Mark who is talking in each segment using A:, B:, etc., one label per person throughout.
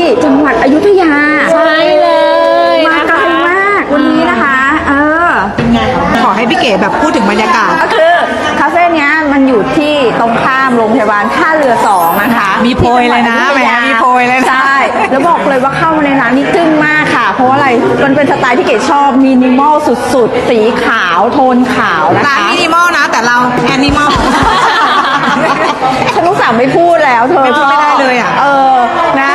A: จังหวัดอยุธยา
B: ใช่เลย
A: มาไกลมากวันนี้นะคะ
C: ขอให้พี่เก๋แบบพูดถึงบรรยากาศ
A: ก็คือคาเฟ่เนี้ยมันอยู่ที่ตรงข้ามโรงพยาบาลท่าเรือ2นะคะ
C: มีโพยเลยนะแหมมีโพยเลยนะ
A: ใช่แล้วบอกเลยว่าเข้ามาในร้านนี้จึ้งมากค่ะ เพราะว่าอะไรมันเป็นสไตล์ที่เก๋ชอบมินิมอลสุดๆสีขาวโทนขาวนะคะ
C: ร้านมินิมอลนะแต่เราแอนิมอล
A: ฉันต้องสั่งไม่พูดแล้วเธอ
C: ไม่พูดไม่ได้เลยอ่ะ
A: นะ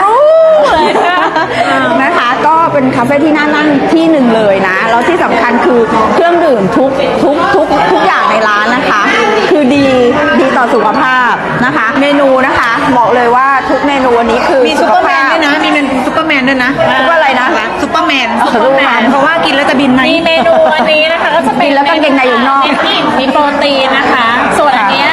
A: นะคะก็เป็นคาเฟ่ที่น่านั่งที่หนึ่งเลยนะแล้วที่สำคัญคือเครื่องดื่มทุกอย่างในร้านนะคะ คือดีต่อสุขภาพนะคะ เมนูนะคะบอกเลยว่าทุกเมนูวันนี้คือ
C: มีซุปเปอร์แมนด้วยนะมีเป็นซุปเปอร์แมนด้วยนะ
A: ซุปเปอร์อะไรนะ
C: ซุปเปอร์แมน
A: ซุปเปอร์แมน
C: เพราะว่ากินแล้วจะบินไหม
B: มีเมนูวันนี้นะคะก็จะเป็น
A: กินแล้วกางเกงในอยู่นอก
B: เน้นอิ่มมีโปรตีนนะคะ ส่วนอันเนี้ย